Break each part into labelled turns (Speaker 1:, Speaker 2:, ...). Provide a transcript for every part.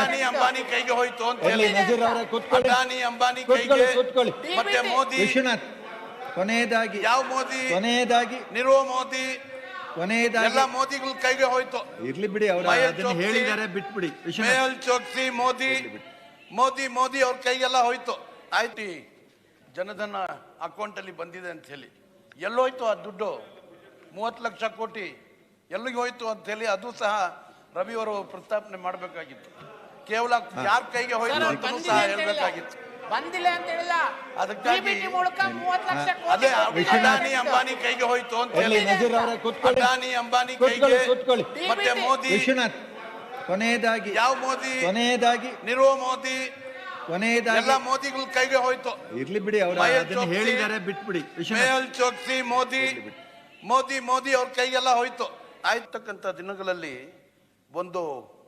Speaker 1: ಅದಾನಿ ಅಂಬಾನಿ ಕೈಗೆ ಹೋಯ್ತು ಅಂತ ಹೇಳಿ
Speaker 2: ನಜೀರ್ ಅವರೇ ಕೂತ್ಕೊಳ್ಳಿ.
Speaker 1: ಅದಾನಿ ಅಂಬಾನಿ ಕೈಗೆ
Speaker 2: ಕೂತ್ಕೊಳ್ಳಿ.
Speaker 1: ಮತ್ತೆ ಮೋದಿ
Speaker 2: ವಿಶ್ವನಾಥ್ ಕೊನೆಯದಾಗಿ
Speaker 1: ಯಾವ ಮೋದಿ
Speaker 2: ಕೊನೆಯದಾಗಿ
Speaker 1: ನಿರೋ ಮೋದಿ
Speaker 2: ಕೊನೆಯದಾಗಿ
Speaker 1: ಎಲ್ಲ ಮೋದಿಗಳ ಕೈಗೆ ಹೋಯ್ತು.
Speaker 2: ಇರ್ಲಿ ಬಿಡಿ ಅವರು
Speaker 1: ಮಹೇಶ್
Speaker 2: ಅದನ್ನ
Speaker 1: ಚೋಕ್ಸಿ,
Speaker 2: ಹೇಳಿದ್ದಾರೆ ಬಿಟ್ಬಿಡಿ ವಿಶ್ವನಾಥ್
Speaker 1: ಮೇಹುಲ್ ಚೋಕ್ಸಿ ಮೋದಿ ಮೋದಿ ಮೋದಿ ಅವ್ರ ಕೈಗೆಲ್ಲ ಹೋಯ್ತು. ಆಯ್ತು, ಜನಧನ ಅಕೌಂಟ್ ಅಲ್ಲಿ ಬಂದಿದೆ ಅಂತ ಹೇಳಿ ಎಲ್ಲೋಯ್ತು ಆ ದುಡ್ಡು? 30 ಲಕ್ಷ ಕೋಟಿ ಎಲ್ಲಿಗೆ ಹೋಯ್ತು ಅಂತ ಹೇಳಿ ಅದು ಸಹ ರವಿ ಅವರು ಪ್ರಸ್ತಾಪನೆ ಮಾಡಬೇಕಾಗಿತ್ತು. ಕೇವಲ ಯಾರ ಕೈಗೆ ಹೋಯ್ತು ಅಂತ ಸಹ ಹೇಳ್ಬೇಕಾಗಿತ್ತು.
Speaker 3: ಬಂದಿಲ್ಲ ಅಂತ ಹೇಳಿಲ್ಲ,
Speaker 1: ಅದಕ್ಕಾಗಿ
Speaker 3: PPT ಮೂಲಕ 30 ಲಕ್ಷ
Speaker 1: ಅದೇ
Speaker 3: ಕೋಟಿ
Speaker 1: ಅದಾನಿ ಅಂಬಾನಿ ಕೈಗೆ ಹೋಯ್ತು ಅಂತ ಹೇಳಿ
Speaker 2: ನಜೀರ್ ಅವರೇ ಕೂತ್ಕೊಳ್ಳಿ.
Speaker 1: ಅದಾನಿ ಅಂಬಾನಿ ಕೈಗೆ
Speaker 2: ಕೂತ್ಕೊಳ್ಳಿ.
Speaker 1: ಮತ್ತೆ ಮೋದಿ
Speaker 2: ವಿಶ್ವನಾಥ್ ಕೊನೆಯದಾಗಿ
Speaker 1: ಯಾವ ಮೋದಿ
Speaker 2: ಕೊನೆಯದಾಗಿ
Speaker 1: ನಿರೋ ಮೋದಿ
Speaker 2: ಕೊನೆಯದಾಗಿ
Speaker 1: ಎಲ್ಲ ಮೋದಿಗಳ ಕೈಗೆ ಹೋಯ್ತು.
Speaker 2: ಇರ್ಲಿ ಬಿಡಿ ಅವರು
Speaker 1: ಮಹೇಶ್
Speaker 2: ಅದನ್ನ
Speaker 1: ಚೋಕ್ಸಿ,
Speaker 2: ಹೇಳಿದ್ದಾರೆ ಬಿಟ್ಬಿಡಿ ವಿಶ್ವನಾಥ್
Speaker 1: ಮೇಹುಲ್ ಚೋಕ್ಸಿ ಮೋದಿ ಮೋದಿ ಮೋದಿ ಅವ್ರ ಕೈಗೆಲ್ಲ ಹೋಯ್ತು. ಆಯ್ತಕ್ಕಂಥ ದಿನಗಳಲ್ಲಿ ಒಂದು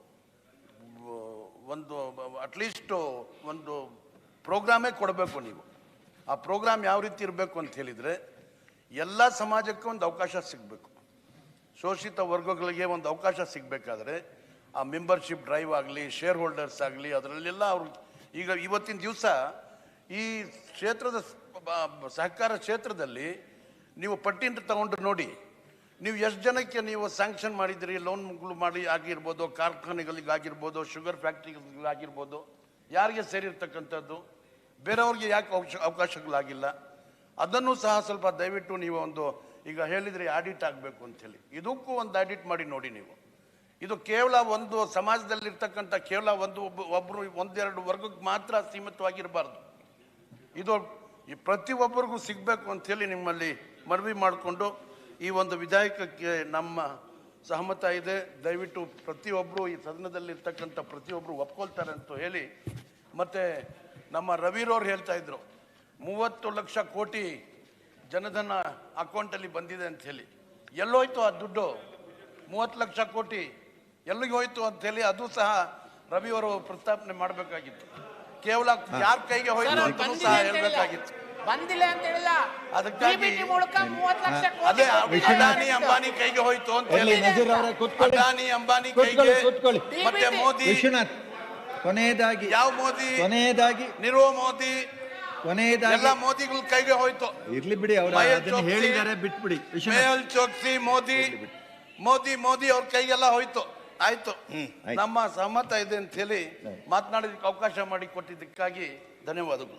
Speaker 1: ಒಂದು ಅಟ್ಲೀಸ್ಟ್ ಒಂದು ಪ್ರೋಗ್ರಾಮೇ ಕೊಡಬೇಕು. ನೀವು ಆ ಪ್ರೋಗ್ರಾಮ್ ಯಾವ ರೀತಿ ಇರಬೇಕು ಅಂತ ಹೇಳಿದರೆ ಎಲ್ಲ ಸಮಾಜಕ್ಕೆ ಒಂದು ಅವಕಾಶ ಸಿಗಬೇಕು. ಶೋಷಿತ ವರ್ಗಗಳಿಗೆ ಒಂದು ಅವಕಾಶ ಸಿಗಬೇಕಾದ್ರೆ ಆ ಮೆಂಬರ್ಶಿಪ್ ಡ್ರೈವ್ ಆಗಲಿ, ಶೇರ್ ಹೋಲ್ಡರ್ಸ್ ಆಗಲಿ, ಅದರಲ್ಲೆಲ್ಲ ಅವರು ಈಗ ಇವತ್ತಿನ ದಿವಸ ಈ ಕ್ಷೇತ್ರದ ಸಹಕಾರ ಕ್ಷೇತ್ರದಲ್ಲಿ ನೀವು ಪಟ್ಟಿನ ತಗೊಂಡು ನೋಡಿ, ನೀವು ಎಷ್ಟು ಜನಕ್ಕೆ ನೀವು ಸ್ಯಾಂಕ್ಷನ್ ಮಾಡಿದಿರಿ, ಲೋನ್ಗಳು ಮಾಡಿ ಆಗಿರ್ಬೋದು, ಕಾರ್ಖಾನೆಗಳಿಗಾಗಿರ್ಬೋದು, ಶುಗರ್ ಫ್ಯಾಕ್ಟ್ರಿಗಳಿಗಾಗಿರ್ಬೋದು, ಯಾರಿಗೆ ಸೇರಿರ್ತಕ್ಕಂಥದ್ದು, ಬೇರೆಯವ್ರಿಗೆ ಯಾಕೆ ಅವಕಾಶಗಳಾಗಿಲ್ಲ, ಅದನ್ನು ಸಹ ಸ್ವಲ್ಪ ದಯವಿಟ್ಟು ನೀವು ಒಂದು ಈಗ ಹೇಳಿದರೆ ಆಡಿಟ್ ಆಗಬೇಕು ಅಂಥೇಳಿ ಇದಕ್ಕೂ ಒಂದು ಆಡಿಟ್ ಮಾಡಿ ನೋಡಿ. ನೀವು ಇದು ಕೇವಲ ಒಂದು ಸಮಾಜದಲ್ಲಿರ್ತಕ್ಕಂಥ ಕೇವಲ ಒಬ್ಬರು ಒಂದೆರಡು ವರ್ಗಕ್ಕೆ ಮಾತ್ರ ಸೀಮಿತವಾಗಿರಬಾರ್ದು. ಇದು ಈ ಪ್ರತಿಯೊಬ್ಬರಿಗೂ ಸಿಗಬೇಕು ಅಂಥೇಳಿ ನಿಮ್ಮಲ್ಲಿ ಮನವಿ ಮಾಡಿಕೊಂಡು ಈ ಒಂದು ವಿಧೇಯಕಕ್ಕೆ ನಮ್ಮ ಸಹಮತ ಇದೆ. ದಯವಿಟ್ಟು ಪ್ರತಿಯೊಬ್ಬರು ಈ ಸದನದಲ್ಲಿರ್ತಕ್ಕಂಥ ಪ್ರತಿಯೊಬ್ಬರು ಒಪ್ಕೊಳ್ತಾರೆ ಅಂತ ಹೇಳಿ, ಮತ್ತು ನಮ್ಮ ರವಿರವ್ರು ಹೇಳ್ತಾ ಇದ್ರು 30 ಲಕ್ಷ ಕೋಟಿ ಜನಧನ ಅಕೌಂಟಲ್ಲಿ ಬಂದಿದೆ ಅಂತ ಹೇಳಿ ಎಲ್ಲೋಯ್ತು ಆ ದುಡ್ಡು? 30 ಲಕ್ಷ ಕೋಟಿ ಎಲ್ಲಿಗೆ ಹೋಯ್ತು ಅಂತ ಹೇಳಿ ಅದು ಸಹ ರವಿಯವರು ಪ್ರಸ್ತಾಪನೆ ಮಾಡಬೇಕಾಗಿತ್ತು. ಕೇವಲ ಯಾರ ಕೈಗೆ ಹೋಯ್ತು ಅಂತ ಸಹ ಹೇಳ್ಬೇಕಾಗಿತ್ತು.
Speaker 3: ಬಂದಿಲ್ಲ ಅಂತ ಹೇಳಿಲ್ಲ,
Speaker 1: ಅದಕ್ಕಾಗಿ
Speaker 3: PPT ಮೂಲಕ 30 ಲಕ್ಷ
Speaker 1: ಅದೇ
Speaker 3: ಕೋಟಿ
Speaker 1: ಅದಾನಿ ಅಂಬಾನಿ ಕೈಗೆ ಹೋಯ್ತು ಅಂತ ಹೇಳಿ
Speaker 2: ನಜೀರ್ ಅವರೇ ಕೂತ್ಕೊಳ್ಳಿ.
Speaker 1: ಅದಾನಿ ಅಂಬಾನಿ ಕೈಗೆ
Speaker 2: ಕೂತ್ಕೊಳ್ಳಿ.
Speaker 1: ಮತ್ತೆ ಮೋದಿ
Speaker 2: ವಿಶ್ವನಾಥ್ ಕೊನೆಯದಾಗಿ
Speaker 1: ಯಾವ ಮೋದಿ
Speaker 2: ಕೊನೆಯದಾಗಿ
Speaker 1: ನಿರೋ ಮೋದಿ
Speaker 2: ಕೊನೆಯದಾಗಿ
Speaker 1: ಎಲ್ಲ ಮೋದಿಗಳ ಕೈಗೆ ಹೋಯ್ತು.
Speaker 2: ಇರ್ಲಿ ಬಿಡಿ ಅವರು
Speaker 1: ಮಹೇಶ್
Speaker 2: ಅದನ್ನ
Speaker 1: ಚೋಕ್ಸಿ,
Speaker 2: ಹೇಳಿದ್ದಾರೆ ಬಿಟ್ಬಿಡಿ ವಿಶ್ವನಾಥ್
Speaker 1: ಮೇಹುಲ್ ಚೋಕ್ಸಿ ಮೋದಿ ಮೋದಿ ಅವ್ರ ಕೈಗೆಲ್ಲ ಹೋಯ್ತು. ಆಯ್ತು, ನಮ್ಮ ಸಹಮತ ಇದೆ ಅಂತ ಹೇಳಿ ಮಾತನಾಡೋದಕ್ಕೆ ಅವಕಾಶ ಮಾಡಿ ಕೊಟ್ಟಿದ್ದಕ್ಕಾಗಿ ಧನ್ಯವಾದಗಳು.